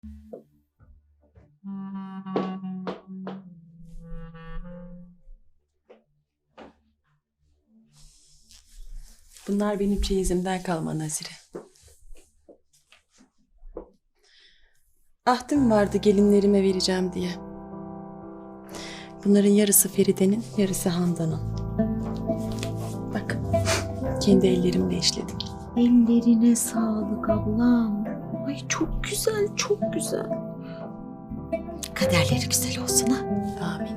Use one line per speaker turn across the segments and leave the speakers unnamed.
Bunlar benim çeyizimden kalma Nazire. Ahdim vardı gelinlerime vereceğim diye. Bunların yarısı Feride'nin, yarısı Handan'ın. Bak, kendi ellerimle işledim.
Ellerine sağlık ablam. Ay çok güzel, çok güzel. Kaderleri güzel olsun ha.
Amin.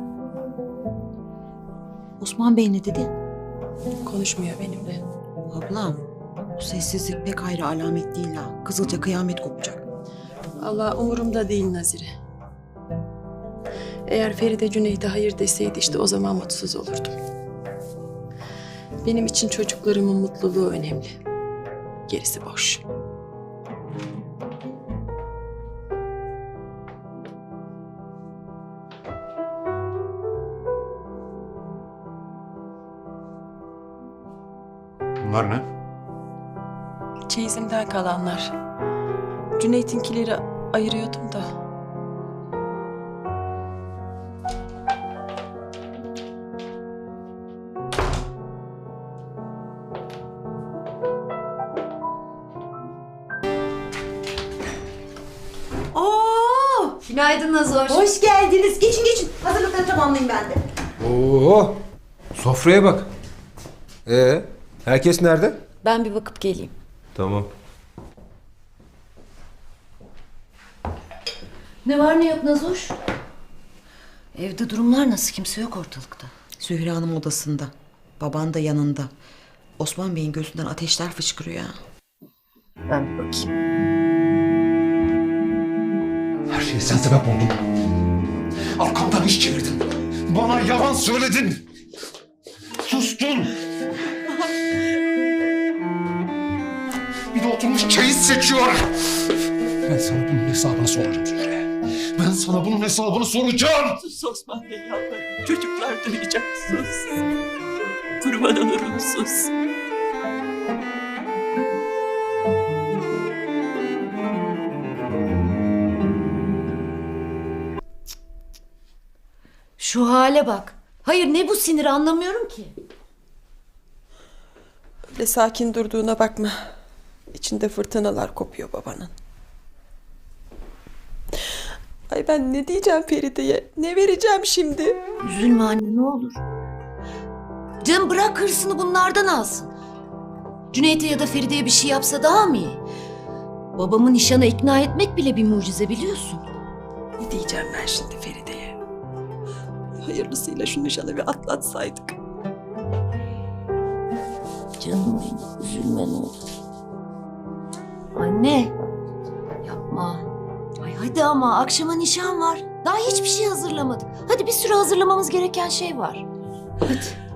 Osman Bey ne dedi?
Konuşmuyor benimle.
Ablam, bu sessizlik pek hayra alamet değil ha. Kızılca kıyamet kopacak.
Allah umurumda değil Nazire. Eğer Feride Cüneyt'e hayır deseydi işte o zaman mutsuz olurdum. Benim için çocuklarımın mutluluğu önemli. Gerisi boş.
Bunlar ne?
Çeyizimden kalanlar. Cüneyt'inkileri ayırıyordum da.
Oo! Günaydın Nazoş.
Hoş geldiniz. Geçin geçin. Hazırlıkları tamamlayayım ben de.
Oo, sofraya bak. Herkes nerede?
Ben bir bakıp geleyim.
Tamam.
Ne var ne yok Nazoş? Evde durumlar nasıl? Kimse yok ortalıkta.
Zühre Hanım odasında. Baban da yanında. Osman Bey'in gözünden ateşler fışkırıyor ha.
Ben bir bakayım.
Her şeye sen sebep oldun. Arkamdan iş çevirdin. Bana yalan söyledin. Sustun. Bir de oturmuş çeyiz seçiyor. Ben sana bunun hesabını soracağım Zühre. Ben sana bunun hesabını soracağım.
Sus Osman Bey yalvarırım. Çocuklar duyacak sus. Kurban olurum sus.
Şu hale bak. Hayır ne bu sinir anlamıyorum ki.
Öyle sakin durduğuna bakma. İçinde fırtınalar kopuyor babanın. Ay ben ne diyeceğim Feride'ye? Ne vereceğim şimdi?
Üzülme anne ne olur. Canım bırak hırsını bunlardan alsın. Cüneyt'e ya da Feride'ye bir şey yapsa daha mı iyi? Babamı nişana ikna etmek bile bir mucize biliyorsun.
Ne diyeceğim ben şimdi Feride'ye? Hayırlısıyla şu nişanı bir atlatsaydık.
Canım benim üzülme ne olur. Anne yapma. Ay hadi ama akşama nişan var. Daha hiçbir şey hazırlamadık. Hadi bir sürü hazırlamamız gereken şey var. Hadi.